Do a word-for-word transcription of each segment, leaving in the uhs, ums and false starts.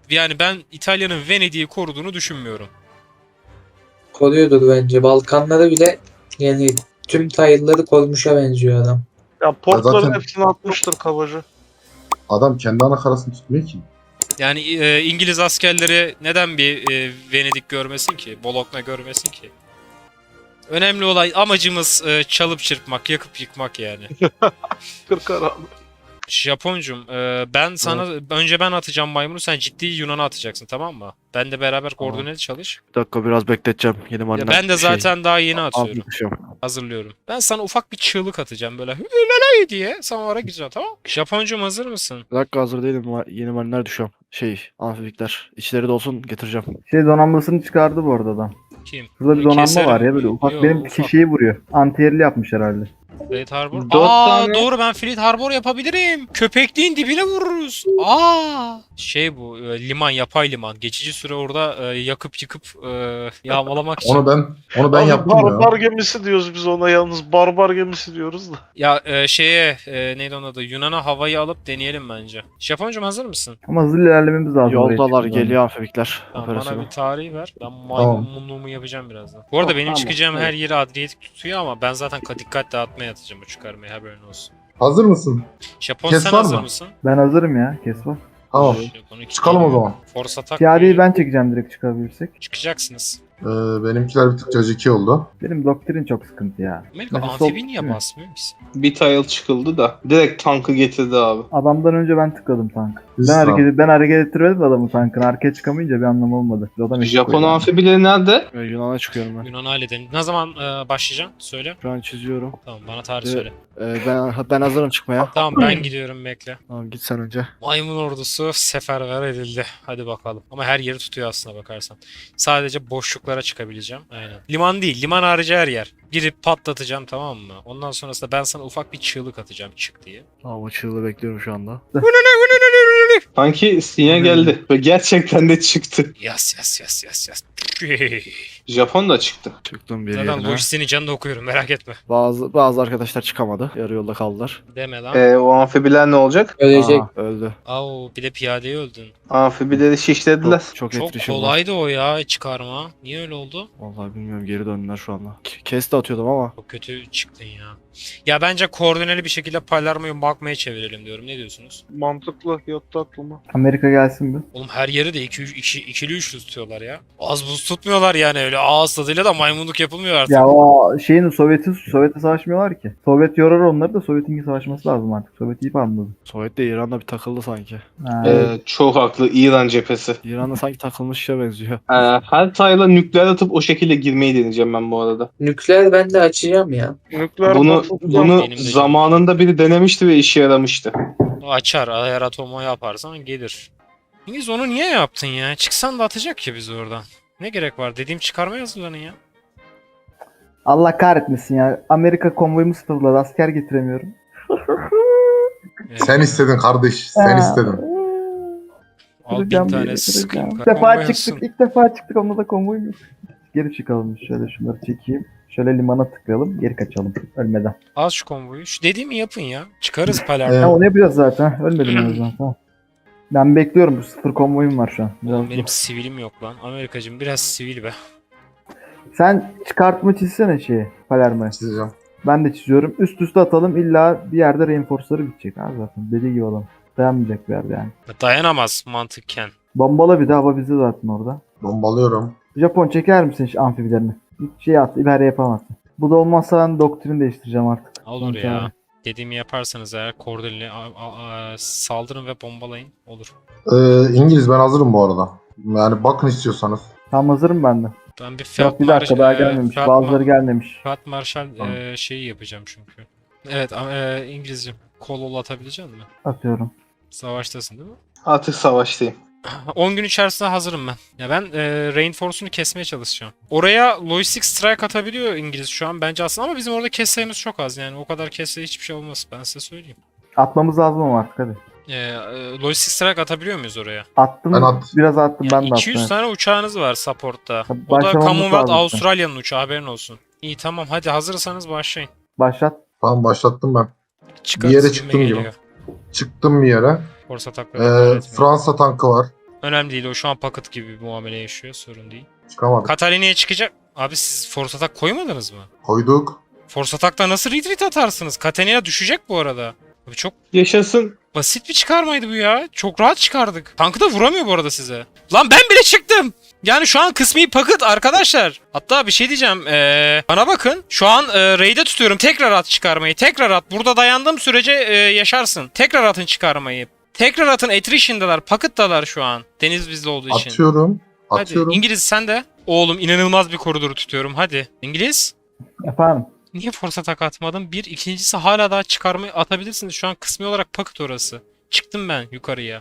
Yani ben İtalya'nın Venedik'i koruduğunu düşünmüyorum. Koruyordur bence. Balkanları bile yani tüm tayılları korumuşa benziyor adam. Ya Ya portların zaten hepsini atmıştır kabaca. adam kendi ana karasını tutmuyor ki. Yani e, İngiliz askerleri neden bir e, Venedik görmesin ki? Bologna görmesin ki? Önemli olay amacımız e, çalıp çırpmak, yakıp yıkmak yani. Kırk ara. Japoncum, e, ben sana önce ben atacağım maymunu, sen ciddi Yunan'a atacaksın, tamam mı? Ben de beraber koordineli çalış. Bir dakika biraz bekleteceğim. Yeni Ya marina. ben de zaten daha yeni atıyorum. Anlatacağım. Hazırlıyorum. Ben sana ufak bir çığlık atacağım böyle hülalay diye. Sen oraya gideceksin, tamam mı? Japoncum hazır mısın? Bir dakika hazır değilim. Ma- Yeni mariner düşüyorum. Şey, amfifikler. İçleri dolsun getireceğim. Şey donanmasını çıkardı bu arada adam. Kim? Burada bir Bunu donanma keserim. var ya böyle ufak Yo, benim ufak. şeyi vuruyor. Antiyerli yapmış herhalde. Fleet Harbor. Dört Aa tane- doğru, ben Fleet Harbor yapabilirim. Köpekliğin dibine vururuz. Aa şey bu e, liman, yapay liman. Geçici süre orada e, yakıp yıkıp e, yağmalamak için. Onu ben onu ben Abi yaptım barbar ya. gemisi diyoruz biz ona, yalnız barbar gemisi diyoruz da. Ya e, şeye e, neydi onun adı? Yunan'a havayı alıp deneyelim bence. Japoncum hazır mısın? Ama hızlı ilerlememiz lazım. oraya Yoldalar çıkmadan. geliyor amfifikler. Tamam, bana Operasyonu. bir tarihi ver. Ben maymunluğumu yapacağım birazdan. Bu arada Oh, benim tamam, çıkacağım evet. her yeri adliyetik tutuyor ama ben zaten dikkat dağıtmaya atacağım bu çıkarmaya, haberin olsun. Hazır mısın? Japon Kes sen var hazır mı? mısın? Ben hazırım ya. Kes var. Tamam. Japon iki Çıkalım o geliyor. zaman. Force atak Piyadeyi ben çekeceğim direkt çıkabilirsek. çıkacaksınız. Ee, benimkiler bir tık caciki oldu. Benim doktrin çok sıkıntı ya. Amerika Mesela sol- amfibi niye değil mi? basmıyor musun? Bir tile çıkıldı da direkt tankı getirdi abi. Adamdan önce ben tıkladım tank. Biz Ben sağ- hareket, ben hareket ettirmedim adamı tankın. Arkaya çıkamayınca bir anlam olmadı. Adam eşit Japon koydu. amfibileri nerede? Ee, Yunan'a çıkıyorum ben. Yunan halledelim. Ne zaman e, başlayacaksın? Söyle. Şu an çiziyorum. Tamam, bana tarih Evet. söyle. Ee, ben ben hazırım çıkmaya. Tamam, ben gidiyorum, bekle. Tamam git sen önce. Maymun ordusu seferber edildi. Hadi bakalım. Ama her yeri tutuyor aslına bakarsan. Sadece boşluklara çıkabileceğim. Aynen. Liman değil. Liman harici her yer. Girip patlatacağım, tamam mı? Ondan sonrasında ben sana ufak bir çığlık atacağım çık diye. Tamam o çığlığı bekliyorum şu anda. Sanki sinyal geldi ve gerçekten de çıktı. Yas yas yas yas yas. Japon da çıktı. Çıktım bir Zaten yerine. lojistiğini canını okuyorum, merak etme. Bazı bazı arkadaşlar çıkamadı. Yarı yolda kaldılar. Deme lan. Ee, o amfibiler ne olacak? Ölecek. Aa, öldü. Au, bir de piyadeye öldün. Amfibileri şişlediler. Çok, çok, Çok etkileşim var. kolaydı o ya çıkarma. Niye öyle oldu? Vallahi bilmiyorum geri döndüler şu anda. K- Kes de atıyordum ama. Çok kötü çıktın ya. Ya bence koordineli bir şekilde Palermo'yu bakmaya çevirelim diyorum. Ne diyorsunuz? Mantıklı, yattı aklıma. Amerika gelsin mi? Oğlum her yeri de iki, iki, ikili üçlü tutuyorlar ya. Az buz tutmuyorlar yani, öyle ağız tadıyla da maymunluk yapılmıyor artık. Ya o şeyin Sovyet'i Sovyet'e savaşmıyorlar ki. Sovyet yorar onları da Sovyet'in savaşması lazım artık. Sovyet iyi anladı. Sovyet de İran'da bir takıldı sanki. Ha. Ee, çok haklı, İran cephesi. İran'da sanki takılmış şeye benziyor. Ee, her tile'a nükleer atıp o şekilde girmeyi deneyeceğim ben bu arada. Nükleer ben de açacağım ya. Nükleer Bunu patlatacağım. bunu Benim de canım. zamanında biri denemişti ve işe yaramıştı. O açar, eğer atomu yaparsan gelir. İngiliz onu niye yaptın ya? Çıksan da atacak ya bizi oradan. Ne gerek var? Dediğim çıkarmaya hazırlanın ya. Allah kahretmesin ya. Amerika konvoyumu sıfırladı. Asker getiremiyorum. Ee, Sen istedin kardeş. Sen Ha. istedin. Al bin Kıracağım tane biri, sıkayım. kıracağım. İlk defa Konvoy çıktık. olsun. İlk defa çıktık. Onda da konvoy yok. Geri çıkalım. Şöyle şunları çekeyim. Şöyle limana tıklayalım. Geri kaçalım. Ölmeden. Az şu konvoyu. Şu dediğimi yapın ya. Çıkarız Ha, Palermo. onu yapacağız zaten. Ölmedim en azından. Tamam. Ben bekliyorum. Sıfır konvoyum var şu an. Biraz Oğlum benim zor. sivilim yok lan. Amerikacım biraz sivil be. Sen çıkartma çizsene şeyi. Palermo'ya. Çizeceğim. Ben de çiziyorum. Üst üste atalım. İlla bir yerde reinforce'ları bitecek abi zaten. Dediği gibi olan. Dayanmayacak bir yerde yani. Dayanamaz mantıken. Bombala bir de hava bizde zaten orada. Bombalıyorum. Japon çeker misin şu amfibilerini? Hiç şey at, ibare yapamazsın. Bu da olmazsa ben doktrin değiştireceğim artık. Olur Sanki ya. abi. Dediğimi yaparsanız eğer koordineli a- a- a- saldırın ve bombalayın. Olur. Ee, İngiliz ben hazırım bu arada. Yani bakın istiyorsanız. Tam hazırım ben de. Ben bir Fiat Yok bir dakika Marş- daha e, gelmemiş. Fiat Bazıları Ma- gelmemiş. Fiat Marshal Tamam. e, şeyi yapacağım çünkü. Evet ama, e, İngilizce kol atabilecek misin? Atıyorum. Savaştasın değil mi? Artık savaştayım. on gün içerisinde hazırım ben. Ya ben e, Reinforce'unu kesmeye çalışacağım. Oraya Logistic Strike atabiliyor İngiliz şu an bence aslında, ama bizim orada kes sayımız çok az yani. O kadar kesse hiçbir şey olmaz, ben size söyleyeyim. Atmamız lazım ama artık hadi. E, e, Logistic Strike atabiliyor muyuz oraya? Attım. Ben at- Biraz attım Yani ben de iki yüz attım. tane uçağınız var support'ta. Tabii O da başlamamız Commonwealth lazım. Avustralya'nın uçağı, haberin olsun. İyi tamam, hadi hazırsanız başlayın. Başlat. Tamam başlattım ben. Çıkarız Bir yere gibime çıktım gibi. geliyor. Çıktım bir yere. Force Ee, atakları. Fransa tankı var. Önemli değil, o şu an paket gibi bir muamele yaşıyor, sorun değil. Çıkamadık. Katalina'ya çıkacak. Abi siz force attack koymadınız mı? Koyduk. Force attack'ta nasıl retreat atarsınız? Katalina düşecek bu arada. Abi çok Yaşasın. basit bir çıkarmaydı bu ya. Çok rahat çıkardık. Tankı da vuramıyor bu arada size. Lan ben bile çıktım. Yani şu an kısmi paket arkadaşlar. Hatta bir şey diyeceğim. Ee, bana bakın. Şu an e, raid'e tutuyorum. Tekrar at çıkarmayı. Tekrar at. Burada dayandığım sürece e, yaşarsın. Tekrar atın çıkarmayı. Tekrar atın. Attrition'dalar. Packet'dalar şu an. Deniz bizde olduğu için. Atıyorum. Hadi. Atıyorum. İngiliz sen de. Oğlum inanılmaz bir koridoru tutuyorum. Hadi. İngiliz. Efendim. Niye force attack atmadın? Bir. İkincisi hala daha çıkarmayı atabilirsiniz. Şu an kısmi olarak paket orası. Çıktım ben yukarıya.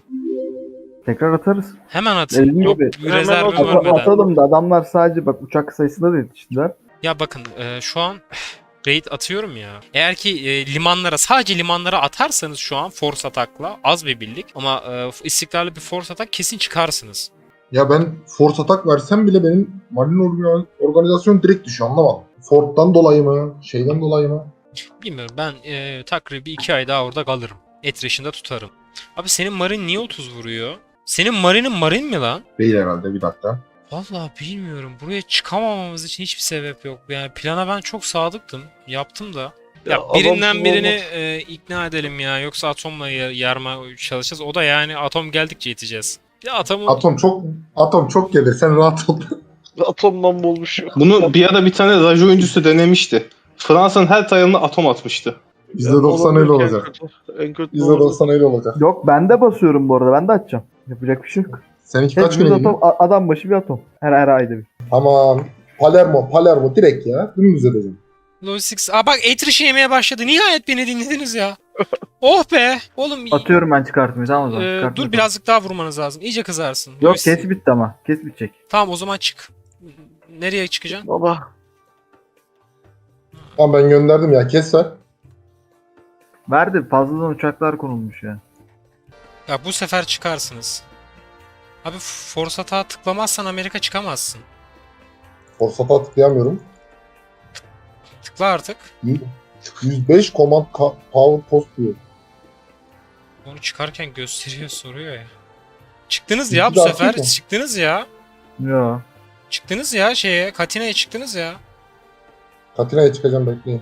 Tekrar atarız. Hemen atın. Dediğim Yok gibi. bir rezervim Hemen At- ölmeden. atalım da adamlar sadece bak uçak sayısında da yetiştiler. Ya bakın e, şu an raid atıyorum ya. Eğer ki e, limanlara sadece limanlara atarsanız şu an force attack'la az bir birlik ama e, istikrarlı bir force attack kesin çıkarsınız. Ya ben force attack versem bile benim marine organ- organizasyon direkt düşüyor, anlamadım. Fort'tan dolayı mı? Şeyden dolayı mı? Bilmiyorum, ben e, takribi iki ay daha orada kalırım. Attrition'da tutarım. Abi senin marin niye otuz vuruyor? Senin marinin marin mi lan? Değil herhalde, bir dakika. Vallahi bilmiyorum. Buraya çıkamamamız için hiçbir sebep yok. Yani plana ben çok sadıktım. Yaptım da. Ya, Ya birinden adamsız birini olmaz. e, ikna edelim ya. Yoksa atomla ya- yarma çalışacağız. O da yani atom geldikçe yeteceğiz. Bir de atomu... Atom çok atom çok gelir, sen rahat ol. Atomdan bulmuş. Bunu bir ara bir tane Rajo oyuncusu denemişti. Fransa'nın her tayalına atom atmıştı. yüzde doksan öyle olacak. En kötü yüzde doksan öyle olacak. Yok ben de basıyorum bu arada. Ben de atacağım. Yapacak bir şey yok. Seninki kaç Hepimiz güne gidiyor? atom, a- adam başı bir atom. Her her ayda bir. Tamam. Palermo, Palermo direkt ya. Dümdüz edeceğim. Logistics... Aa bak attrition yemeye başladı. Nihayet beni dinlediniz ya. Oh be. Oğlum Atıyorum ben çıkartmayı tamam o zaman. e, Çıkartmayı dur atalım. birazcık daha vurmanız lazım. İyice kızarsın. Yok Logistic- kes bitti ama. Kes bitecek. Tamam o zaman çık. Nereye çıkacaksın? Baba. Tamam ben gönderdim ya, kes ver. Verdi fazladan uçaklar konulmuş ya. Ya bu sefer çıkarsınız. Abi force attack'a tıklamazsan Amerika çıkamazsın. Force attack tıklayamıyorum. Tıkla artık. yüz beş command ka- power post diyor. Onu çıkarken gösteriyor, soruyor ya. Çıktınız İki ya bu daha sefer. çıkma. Çıktınız ya. Yo. Çıktınız ya şeye. Katina'ya çıktınız ya. Katina'ya çıkacağım, bekleyin.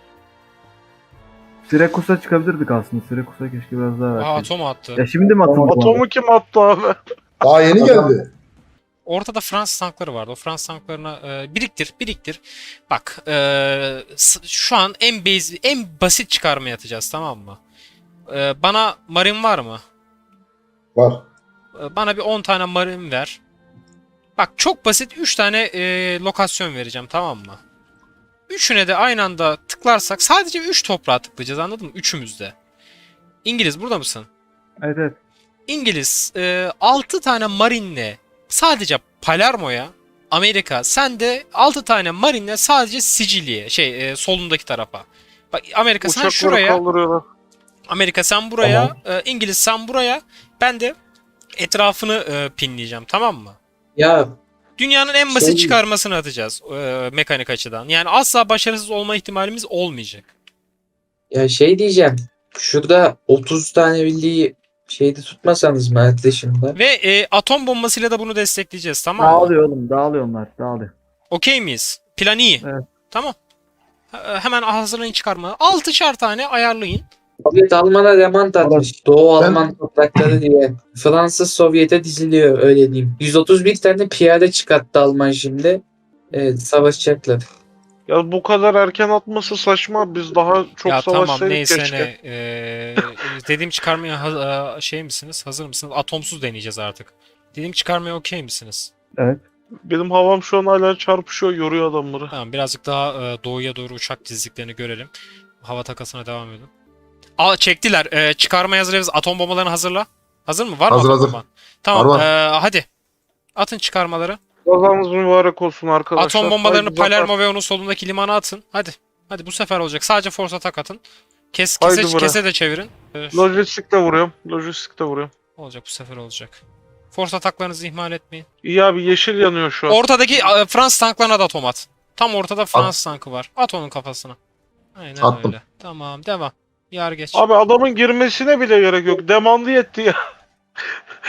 Syrakus'a çıkabilirdik aslında. Syrakus'a keşke biraz daha Aa verseydik. atom attı. Ya şimdi mi atıldı? bu Atomu kim attı abi? Daha yeni Adam- geldi. Ortada Fransız tankları vardı. O Fransız tanklarına e, biriktir, biriktir. Bak, e, s- şu an en base, en basit çıkarma yatacağız, tamam mı? E, bana marin var mı? Var. E, bana bir on tane marin ver. Bak çok basit üç tane e, lokasyon vereceğim, tamam mı? Üçüne de aynı anda tıklarsak sadece üç toprağa tıklayacağız, anladın mı? Üçümüz de. İngiliz burada mısın? Evet evet. İngiliz e, altı tane marinle sadece Palermo'ya, Amerika sen de altı tane marinle sadece Sicilya'ya, şey e, solundaki tarafa. Bak Amerika sen Uçakları şuraya, kaldırıyorlar. Amerika sen buraya, e, İngiliz sen buraya, ben de etrafını e, pinleyeceğim, tamam mı? Ya Dünyanın en basit Şey- çıkarmasını atacağız e, mekanik açıdan. Yani asla başarısız olma ihtimalimiz olmayacak. ya şey diyeceğim. Şurada otuz tane birliği şeyde tutmasanız mı Attrition'da? Ve e, atom bombasıyla da bunu destekleyeceğiz, tamam mı? Dağılıyor oğlum. Dağılıyor onlar. Dağılıyor. Okey miyiz? Plan iyi. Evet. Tamam. He- Hemen hazırlayın çıkarma. altışar tane ayarlayın. Sovyet Alman'a remant atmış. Doğu Ben- Alman toprakları diye. Fransız Sovyet'e diziliyor öyle diyeyim. yüz otuz bir tane piyade çıkarttı Alman şimdi. Evet savaşacaklar. Ya bu kadar erken atması saçma. Biz daha çok Ya tamam savaşsaydık neyse keşke. ne. Ee, dediğim çıkarmaya ha- e, şey misiniz? Hazır mısınız? Atomsuz deneyeceğiz artık. Dediğim çıkarmaya okey misiniz? Evet. Benim havam şu an hala çarpışıyor, yoruyor adamları. Tamam birazcık daha e, doğuya doğru uçak dizdiklerini görelim. Hava takasına devam edin. Aa çektiler. Ee, çıkarmaya hazırız. Atom bombalarını hazırla. Hazır mı? Var mı Hazır, atom hazır. bomban? Tamam. Var, var. ee, hadi. Atın çıkarmaları. Kazanız mübarek olsun arkadaşlar. Atom bombalarını Haydi zafer. Palermo ve onun solundaki limana atın. Hadi. Hadi bu sefer olacak. Sadece force attack atın. Kes, Haydi kese, buraya. kese de çevirin. Ee, Lojistikte vuruyorum. Lojistikte vuruyorum. olacak bu sefer olacak. Force ataklarınızı ihmal etmeyin. İyi abi, yeşil yanıyor şu an. Ortadaki e, Fransız tanklarına da atom at. Tam ortada Fransız tankı var. At onun kafasına. Aynen Attım. öyle. Tamam devam. Yar geç. Abi adamın girmesine bile gerek yok. Demandı yetti ya.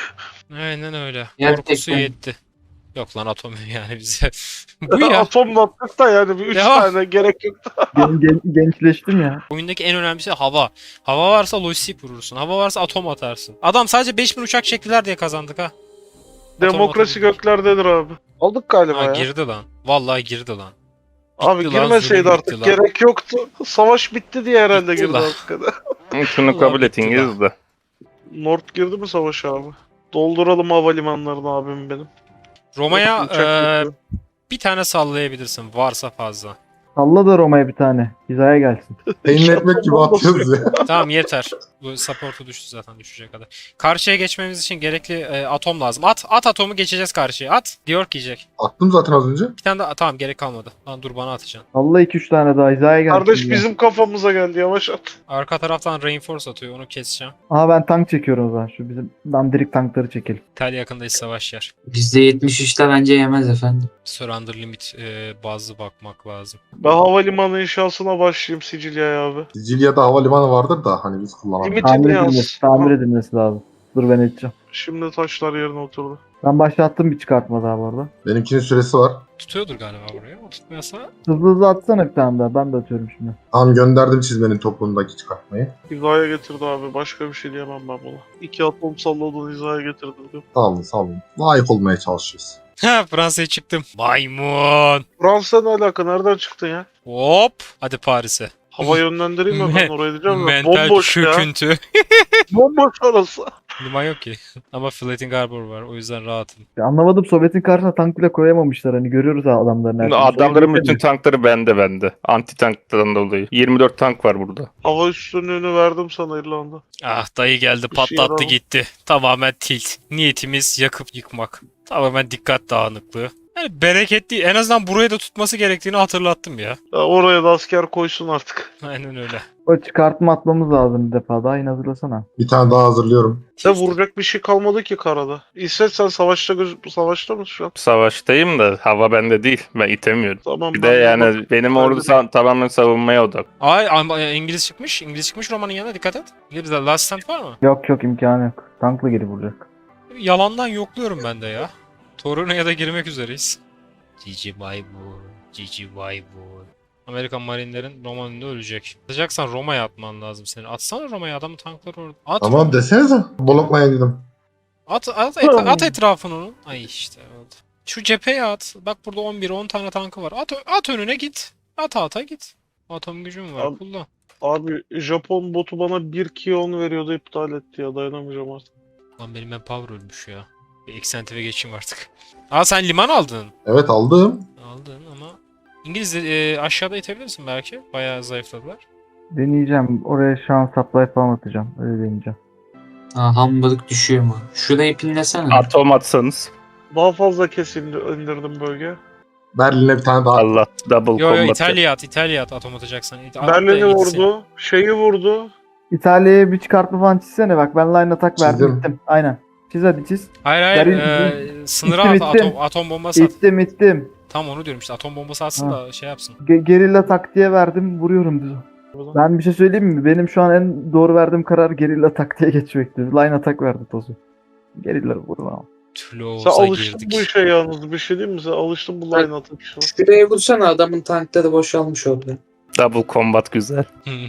Aynen öyle. Gerçekten. Korkusu yetti. Yok lan atom yani bize. Bu ya. Atomla attık da yani bir üç Devam. tane gerek yok. Gen- gen- gençleştim ya. Oyundaki en önemli şey hava. Hava varsa lojistik vurursun. Hava varsa atom atarsın. Adam sadece beş bin uçak çektiler diye kazandık ha. Atom Demokrasi atom. göklerdedir abi. Aldık galiba Ha, ya. girdi lan. Vallahi girdi lan. Abi Bitti lan, girmeseydi zulüm artık bitti lan. gerek yoktu. Savaş bitti diye herhalde Bitti girdi lan. hakikaten. Şunu Allah kabul bitti etiniz de. North girdi mi savaşa abi? Dolduralım havalimanlarını abim benim. Roma'ya Uçak eee, bekliyor. bir tane sallayabilirsin varsa fazla. Salla da Roma'ya bir tane. Hizaya gelsin. Peynir ekmek gibi atıyoruz ya. Tamam yeter. Bu support'u düştü zaten düşecek kadar. Karşıya geçmemiz için gerekli e, atom lazım. At at atomu geçeceğiz karşıya. At. Diyor ki yiyecek. Attım zaten az önce. Bir tane daha tamam gerek kalmadı. Lan dur bana atacaksın. Salla iki üç tane daha hizaya gelsin. Kardeş ya. bizim kafamıza geldi yavaş at. Arka taraftan reinforce atıyor onu keseceğim. Aha ben tank çekiyorum o zaman. Şu bizim dandirik tankları çekelim. İtalya yakındayız savaş yer. yüzde yetmiş üçte bence yemez efendim. Surrender limit e, bazlı bakmak lazım. Ben havalimanı inşasına başlayayım Sicilya'ya abi. Sicilya'da havalimanı vardır da hani biz kullanamıyoruz. Limit- Tamir yaz. edilmesi, tamir edilmesi lazım. Dur ben edeceğim. Şimdi taşlar yerine oturdu. Ben başlattım bir çıkartma daha bu arada. Benimkinin süresi var. Tutuyordur galiba buraya. O tutmuyorsa Hızlı hızlı atsana bir tane daha. Ben de atıyorum şimdi. Tamam gönderdim çizmenin toplumundaki çıkartmayı. Hizaya getirdi abi. Başka bir şey diyemem ben buna. İki atom salladın hizaya getirdi diyor. Sağ olun sağ olun. Layık olmaya çalışıyoruz. Ha Fransa'ya çıktım. Maymun. Fransa ne alaka? Nereden çıktın ya? Hop. Hadi Paris'e. Hava yönlendireyim mi ben oraya diyeceğim ya. Mental Bomboş ya. çöküntü. Bomboş orası. Liman yok ki. Ama Floating Harbor var. O yüzden rahatım. Ya anlamadım, Sovyet'in karşısına tank bile koyamamışlar. Hani görüyoruz ha adamların her şeyini. Adamların Sovyet bütün tankları bende bende. Anti tanktan dolayı. yirmi dört tank var burada. Hava üstünlüğünü verdim sana İrlanda. Ah dayı geldi Bir şey patlattı yaramaz. gitti. Tamamen tilt. Niyetimiz yakıp yıkmak. Tamamen dikkat dağınıklığı. Yani bereketli. En azından buraya da tutması gerektiğini hatırlattım ya. Ya oraya da asker koysun artık. Aynen öyle. O çıkartma atmamız lazım bir defa daha. Yine hazırlasana. Bir tane daha hazırlıyorum. Ya vuracak bir şey kalmadı ki karada. İsveç sen savaşta göz savaşta mısın şu an? Savaştayım da hava bende değil. Ben itemiyorum. Tamam. Bir ben de de yani bak- benim ben ordu de- sa- tamamen savunmaya odak. Ay ama İngiliz çıkmış. İngiliz çıkmış Roma'nın yanına dikkat et. İngiliz'de last stand var mı? Yok yok, imkanı yok. Tankla geri vuracak. Yalandan yokluyorum ben de ya. Torino'ya da girmek üzereyiz. Cici Maymun. Cici Maymun. Amerikan marinlerin Roma önünde ölecek. Atacaksan Roma'ya atman lazım senin. Atsana Roma'ya adamın tankları orada. At. Tamam desenize. Blokmaya dedim. At, at, et- at etrafını onun. Ay işte oldu. Şu cepheye at. Bak burada on bir on tane tankı var. At, at önüne git. At ata git. Atom gücüm var. Abi- Kullan. Abi Japon botu bana bir kion veriyordu iptal etti ya dayanamayacağım artık. Lan benim manpower ölmüş ya. Bir eksentive geçeyim artık. Aa sen liman aldın. Evet aldım. Aldın ama İngiliz de, e, aşağıda itebilirsin belki. Bayağı zayıfladılar. Deneyeceğim. Oraya şu an supply falan atacağım. Öyle deneyeceğim. Ha, hambalık düşüyor mu? Şurayı pinlesene. Atom atsanız. Daha fazla kesildi indirdim bölge. Berlin'e bir tane daha. Allah double Yo yo combat. İtalya at, İtalya at atom atacaksan. İt- at da Berlin'i gitsin. vurdu. Şeyi vurdu. İtalya'ya bir çıkartma falan çizsene bak. Ben line attack verdim, Çizdim. gittim. Aynen. Çiz hadi çiz. Hayır hayır. Berlin- E, sınıra İttim, at, ittim. atom, atom bombası at. İttim ittim. Tam onu diyorum işte atom bombası atsın Ha. da şey yapsın. Ge- gerilla taktiğe verdim. Vuruyorum düz. Ben bir şey söyleyeyim mi? Benim şu an en doğru verdiğim karar gerilla taktiğe geçmekti. Line attack verdi tozu. Gerilla vurun ama. Sen Tüloz'a alıştın girdik. bu işe yalnız. Bir şey diyeyim mi? Sen alıştın bu line atıp işe. Şuraya vursana, adamın tankları boşalmış oldu. Double combat güzel.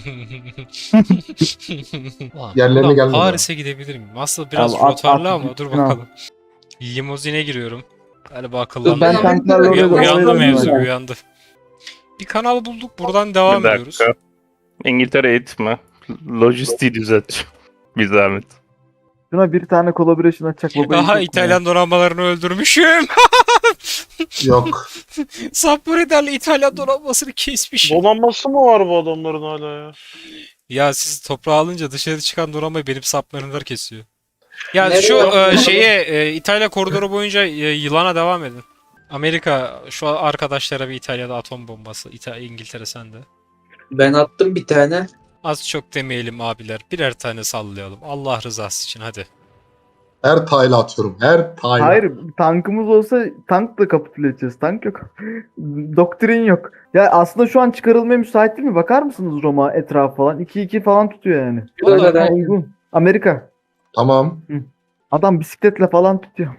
Ulan, Yerlerine ulan gelmedi Paris'e gidebilir miyim? Aslında biraz Abi, at- rotarlı at- ama dur at- bakalım. Limuzine giriyorum. Galiba akıllandı. Ben Ben tanklarla oraya Uyan- oraya uyandı doğru mevzu gidiyorum. uyandı. Bir kanal bulduk buradan devam Bir ediyoruz. dakika. İngiltere eğitme. Lojistiği düzelt. Bir zahmet. Şuna bir tane collaboration açacak baba. Aha İtalyan donanmalarını öldürmüşüm. Yok. Submariner'le İtalyan donanmasını kesmişim. Donanması mı var bu adamların hala ya? Ya siz toprağı alınca dışarı çıkan donanmayı benim submariner'lar kesiyor. Ya Nereye şu yapıyorsun? e, şeye e, İtalya koridoru boyunca e, yılana devam edin. Amerika şu arkadaşlara bir İtalya'da atom bombası. İta İngiltere sende. Ben attım bir tane. Az çok demeyelim abiler. Birer tane sallayalım. Allah rızası için hadi. Her tayla atıyorum. Her tayla. Hayır, tankımız olsa tankla kapitüle edeceğiz. Tank yok. Doktrin yok. Ya aslında şu an çıkarılmaya müsait değil mi? Bakar mısınız Roma etrafı falan? iki iki falan tutuyor yani. Burada Gayet da- uygun. Amerika. Tamam. Adam bisikletle falan tutuyor.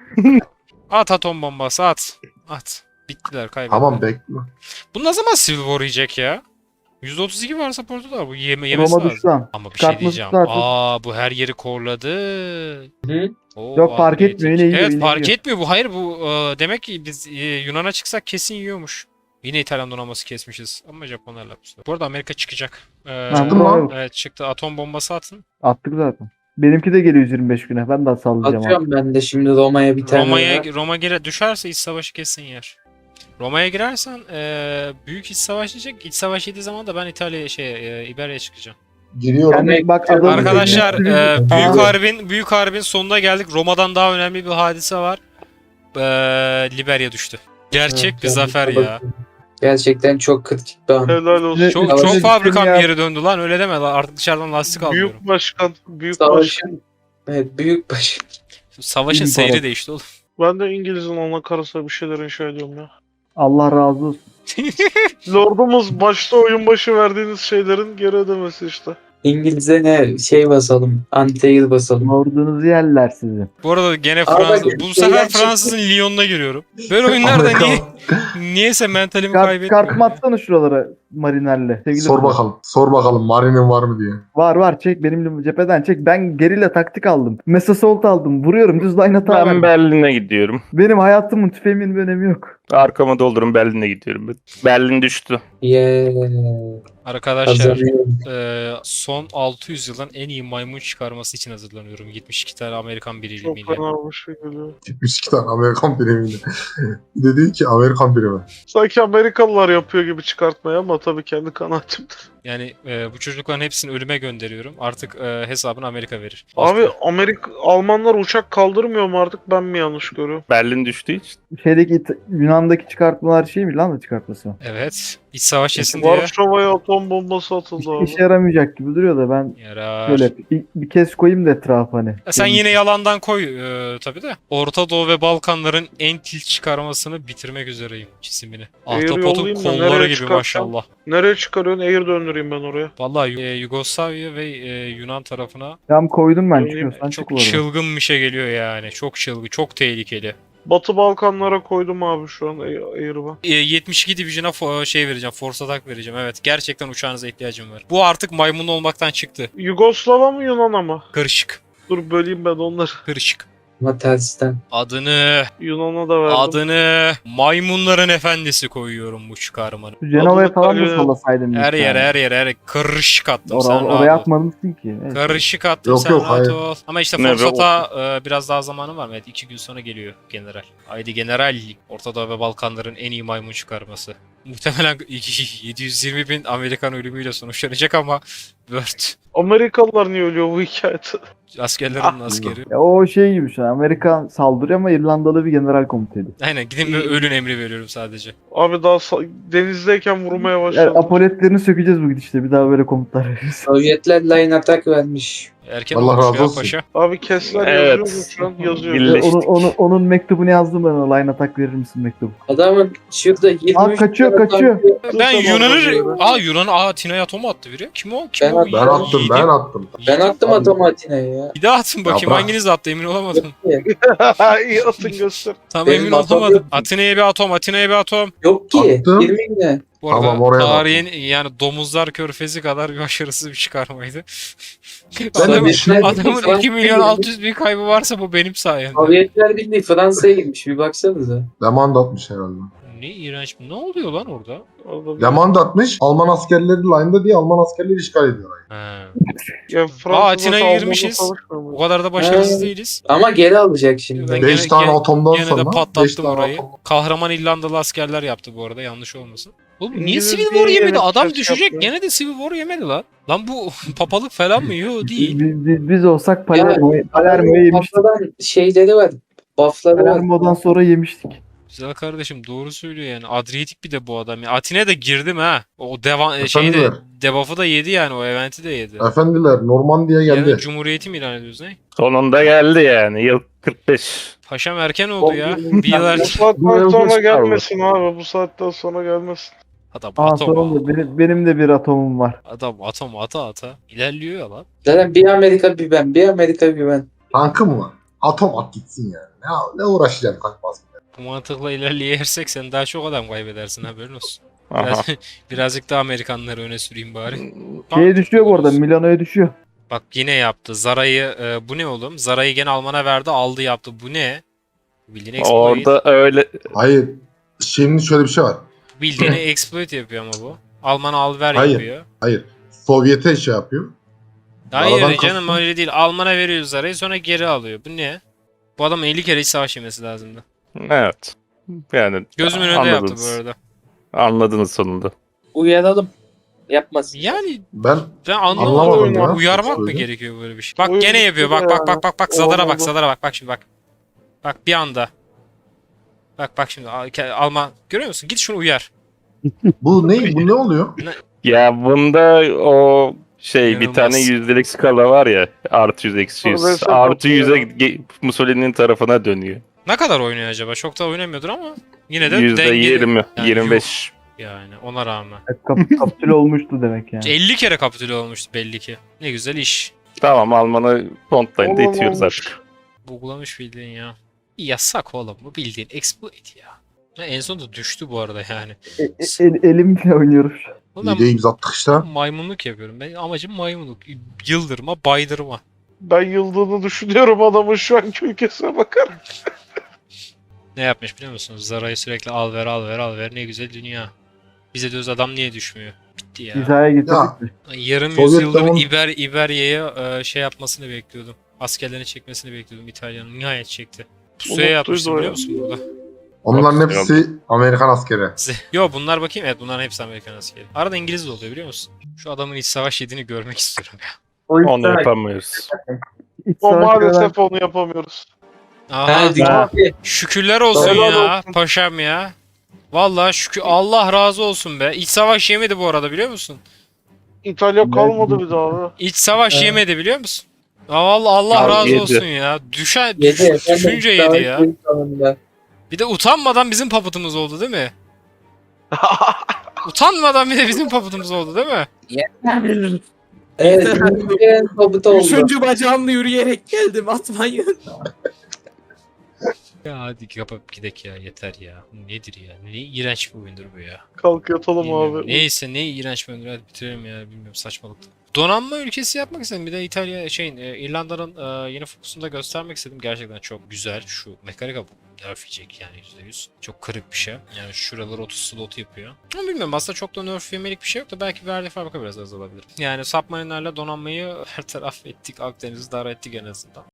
At atom bombası at. At. Bittiler kaybettiler. Tamam bekle. Bu ne zaman Civil War yiyecek ya? yüzde otuz iki var supportu da bu yeme yemesi Roma lazım. düştü lan. Ama bir şey Çıkartması diyeceğim. zaten. Aa bu her yeri korladı. Hı? Oo, Yok, fark upgrade. etmiyor, yine yiyor, Evet yine fark yiyor. etmiyor bu. Hayır bu e, demek ki biz e, Yunan'a çıksak kesin yiyormuş. Yine İtalyan donanması kesmişiz. Ama Japonlarla bu sefer. Bu arada Amerika çıkacak. Ee, Ha, Çıktı mı? Roma- evet çıktı. Atom bombası atın. Attık zaten. Benimki de geliyor yüz yirmi beş güne. Ben de sallayacağım abi. Atıyorum ben de şimdi Roma'ya bir tane Roma'ya daha. Roma gire düşerse iç savaşı kesin yer. Roma'ya girersen e, büyük iç savaş diyecek. İç savaş yediği zaman da ben İtalya'ya şey e, İberya'ya çıkacağım. Giriyorum. Yani bak adamın Arkadaşlar dediğini- e, Aa, büyük harbin büyük harbin sonuna geldik. Roma'dan daha önemli bir hadise var. E, Liberya düştü. Gerçek Evet, bir zafer yani ya. Gerçekten çok kritik bir an. Helal olsun. Ne- Çok Savaşı çok fabrikam düşün ya. geri döndü lan öyle deme lan artık dışarıdan lastik alıyorum. Büyük başkan. Büyük başkan. Savaşın evet, büyük baş. Savaşın İmparator. seyri değişti oğlum. Ben de İngiliz'in ana karısına bir şeyler inşa ediyorum ya. Allah razı olsun. Lordumuz başta oyun başı verdiğiniz şeylerin geri ödemesi işte. İngiliz'e ne şey basalım. Anti-air basalım. Ordunuzu yerler sizi. Bu arada gene Abi Fransız. bak, Bu şeyler sefer çıktı. Fransız'ın Lyon'una giriyorum. Böyle oyunlarda Amerika- niye niyeyse mentalimi Kart, kaybetmiyorum. kartımı atsana şuralara marinerle. Sevgili Sor dostum. bakalım. Sor bakalım Mari'nin var mı diye. Var var çek benimle cepheden çek. Ben gerilla taktik aldım. Mesasalt aldım. Vuruyorum düz line hata Ben verdim. Berlin'e gidiyorum. Benim hayatımın tüfeğimin bir önemi yok. Arkama doldurun Berlin'e gidiyorum. Berlin düştü. Yeah. Arkadaşlar Kazanıyorum. e, son altı yüz yılın en iyi maymun çıkarması için hazırlanıyorum. yetmiş iki tane Amerikan Çok birimiyle. fena bir şey geliyor. yetmiş iki tane Amerikan birimiyle. Bir de değil ki Amerikan birimi. Sanki Amerikalılar yapıyor gibi çıkartmaya ama tabii kendi kanaatimdir. Yani e, bu çocukların hepsini ölüme gönderiyorum. Artık e, hesabını Amerika verir. Abi Amerika Almanlar uçak kaldırmıyor mu artık ben mi yanlış görüyorum? Berlin düştüğü için. Şeydeki İt- Yunan'daki çıkartmalar şey mi lan da çıkartması? Evet. İç savaş yesin diye. Varşova'ya atom bombası atıldı Hiçbir abi. işe yaramayacak gibi duruyor da ben Yarar. şöyle bir, bir kez koyayım da etrafa hani. E, Sen yine yalandan koy e, tabii de. Orta Doğu ve Balkanların en tilt çıkarmasını bitirmek üzereyim çizimini. Eğer Ahtapotun yollayayım da kolları nereye gibi çıkartsam? maşallah. Nereye çıkarıyorsun? Air döndüreyim ben oraya. Vallahi e, Yugoslavya ve e, Yunan tarafına Tam koydum ben Öyle çıkıyorsan çık çok bu arada. çılgın bir şey geliyor yani. Çok çılgın, çok tehlikeli. Batı Balkanlara koydum abi şu an Air'ı ben. E, yetmiş iki Division'a fo- şey vereceğim, Force Attack vereceğim. Evet, gerçekten uçağınıza ihtiyacım var. Bu artık maymun olmaktan çıktı. Yugoslava mı Yunan'a mı? Karışık, Dur böleyim ben onları. karışık. Ama tersten. Adını, Yunan'a da verdim. adını maymunların efendisi koyuyorum bu çıkarmanın. Şu Cenova'ya Adını falan da Kalyon- sallasaydın. Her lütfen. yere, her yere, her yere. Karışık attım Or- sen or- rahat oraya ol. atmamışsın ki. Evet. Karışık attım Yok, sen yok, rahat hayır. ol. Ama işte Ne be, Forsat'a e, biraz daha zamanı var mı? Evet, iki gün sonra geliyor general. Haydi general. Orta Doğu ve Balkanların en iyi maymun çıkarması. Muhtemelen yedi yüz yirmi bin Amerikan ölümüyle sonuçlanacak ama Word. Amerikalılar niye ölüyor bu hikayede? Askerlerin askeri. Ya o şey gibi şu an. Amerika saldırıyor ama İrlandalı bir general komuta ediyor. Aynen gidin ve ölün emri veriyorum sadece. Abi daha sa- denizdeyken vurmaya Yani başladım. apoletlerini sökeceğiz bu gidişte. Bir daha böyle komutlar veririz. Sovyetler line atak vermiş. Erken Allah olmuş razı ya olsun. paşa. Abi Kessler Evet. yazıyor mu şu an? Yazıyor. Birleş- Ve onun, onun, onun mektubunu yazdım ben ona. Line atak verir misin mektubu? Adamın şurada yirmi Aa, üç kaçıyor, tane kaçıyor. tankı- Ben Tamam, Yunan'ı... yazıyorum. Aa Yunan'ı... Aa Atina'ya atom attı biri. Kim o? Kim Ben o? attım, Ben attım Yiğidim. ben attım. Ben attım atomu Atina'ya ya. Bir daha atın bakayım. bırak. Hanginiz attı emin olamadım. İyi atın göster. Tam Benim emin atom olamadım. yok. Atina'ya bir atom, Atina'ya bir atom. Yok ki. Attım. yirmi güne. Bu arada Tamam, oraya tarihin yani domuzlar körfezi kadar bir başarısız bir çıkarmaydı. Ben de Adamın, bir şey- adamın iki milyon altı yüz bin kaybı varsa bu benim sayemde. Sovyetler Birliği Fransa'ya girmiş. Bir baksanıza. Lemanda atmış herhalde. Ne iğrenç. Ne oluyor lan orada? Orada bir- Lemanda atmış. Alman askerleri line'da diye Alman askerleri işgal ediyorlar. Ha. Ya Fransa'da Aa, Atina'ya Alman'la girmişiz. savaşmıyor mu? O kadar da başarısız Ha. değiliz. Ama geri alacak şimdi. Ben beş gene- tane gene- atomdan Gene de sonra. beş patlattım tane orayı. atom. Kahraman İrlandalı askerler yaptı bu arada yanlış olmasın. Oğlum niye İngiliz Civil diye War yemedi? yine Adam ses düşecek yapıyor. gene de Civil War yemedi lan. Lan bu papalık falan mı? Yo değil. Biz, biz, biz olsak Palermo'yu Palermo'yu yemiştik. Papadan şeyleri var. Buff'ları var. Palermo'dan sonra yemiştik. Güzel kardeşim doğru söylüyor yani. Adriyatik bir de bu adam. Ya Atina'ya da girdim ha. O devam Efendim şeyde ver. debuff'ı da yedi yani o eventi de yedi. Efendiler Normandiya geldi. Yani Cumhuriyeti mi ilan ediyoruz ne? Sonunda geldi yani. Yıl kırk beş. Paşam erken oldu ya. Oğlum, Bir yıl Bu erken. saatten sonra kaldı. gelmesin abi. Bu saatten sonra gelmesin. Adam Aa atom. sonunda benim, benim de bir atomum var. Adam atom ata ata. İlerliyor ya lan. Zaten bir Amerika bir ben. Bir Amerika bir ben. Tankı mı var? atom at gitsin yani. Ne, ne uğraşacaksın tank basmaya? Bu mantıkla ilerleyersek sen daha çok adam kaybedersin, haberin olsun. Aha. Biraz, birazcık da Amerikanları öne süreyim bari. Şeye düşüyor bu arada. Milano'ya düşüyor. Bak yine yaptı. Zara'yı e, bu ne oğlum? Zara'yı gene Alman'a verdi, aldı yaptı. Bu ne? Bildiğin exploit. Orada öyle Hayır. Şimdi şöyle bir şey var. Bildiğini exploit yapıyor ama bu. Alman al ver Hayır. yapıyor. Hayır. Sovyet'e şey yapıyor. Hayır Zaradan canım kastım- öyle değil. Alman'a veriyor Zara'yı, sonra geri alıyor. Bu ne? Bu adamın elli kere hiç savaş yemesi lazımdı. evet. Yani Gözümün önünde yaptı bu anladınız. arada. Anladınız sonunda. Uyaralım. Yapmasın. Yani Ben ben Anlamadım anlamadım. ya. Uyarmak mı Söyle. gerekiyor böyle bir şey? Bak Oyun gene yapıyor. Bak bitti bak ya. bak bak bak. Zadara bak, Olmadı. Zadara bak. Bak şimdi bak. Bak bir anda. Bak bak şimdi Al- ke- Alman görüyor musun? Git şunu uyar. bu ne bu ne oluyor? Ya bunda o şey bir İnanılmaz. tane yüzdelik skala var ya. Artı yüz eksi yüz. Orası Artı yüze bakıyor. ge- Mussolini'nin tarafına dönüyor. Ne kadar oynuyor acaba? Çok da oynamıyordur ama yine de Yüzde dengeli. yirmi, Yani yirmi beş. Yani ona rağmen. E, Kap kapitüle olmuştu demek yani. elli kere kapitüle olmuştu belli ki. Ne güzel iş. Tamam Alman'ı frontline'da Oğlum itiyoruz olmuş. artık. Buglamış bildiğin ya. Yasak oğlum, bu bildiğin exploit ya. Ha, en sonunda düştü bu arada yani. E, e, el- elimle oynuyorum şu an. Oğlum İyi de ben imza attık işte. maymunluk yapıyorum. Ben amacım maymunluk. Yıldırma, baydırma. Ben yıldığını düşünüyorum adamın şu anki ülkesine bakar. Ne yapmış biliyor musunuz? Zara'yı sürekli al ver al ver al ver, ne güzel dünya. Bize diyoruz adam niye düşmüyor? Bitti ya. Hizaya getirdik mi? Yarım Sovyet yüzyıldır zaman- İber, İberya'ya e, şey yapmasını bekliyordum. Askerlerini çekmesini bekliyordum İtalya'nın. Nihayet çekti. Pusuya Umutluydu yatmıştım o biliyor ya. musun burada? Onların Çok hepsi Amerikan askeri. Yo bunlar bakayım, evet bunların hepsi Amerikan askeri. Arada İngiliz de oluyor biliyor musun? Şu adamın iç savaş yediğini görmek istiyorum ya. Onu yapamıyoruz. İç O savaş kadar- maalesef onu yapamıyoruz. Aha, Ha, dünya- şükürler olsun Helal ya olsun. paşam ya. Vallahi şükür, Allah razı olsun be. İç savaş yemedi bu arada biliyor musun? İtalya kalmadı bir daha abi. İç savaş Evet. yemedi biliyor musun? Aa, vallahi Allah Ya, razı yedi. olsun ya. Düşen, Yedi. düş, efendim, düşünce yedi savaş ya. büyük sonunda. Bir de utanmadan bizim paputumuz oldu değil mi? Utanmadan bir de bizim paputumuz oldu değil mi? Evet. Ülkenin tabutu oldu. Üçüncü bacağımla yürüyerek geldim, atmayın. Ya hadi kapat gidek ya, yeter ya. Bu nedir ya? Ne iğrenç bir oyundur bu ya. Kalk yatalım Bilmiyorum. abi. Neyse ne iğrenç bir oyundur, hadi bitirelim ya, bilmiyorum, saçmalıktı. Donanma ülkesi yapmak istedim. Bir de İtalya şeyin e, İrlanda'nın e, yeni fokusunda göstermek istedim. Gerçekten çok güzel. Şu mekanika nerf yiyecek yani yüzde yüz. Çok kırık bir şey. Yani şuraları otuz slot yapıyor. Ama bilmiyorum, aslında çok da nerf yemelik bir şey yok da belki verdiği fabrika biraz azalabilir. Yani submarine'lerle donanmayı her taraf ettik. Akdeniz'i dar ettik en azından.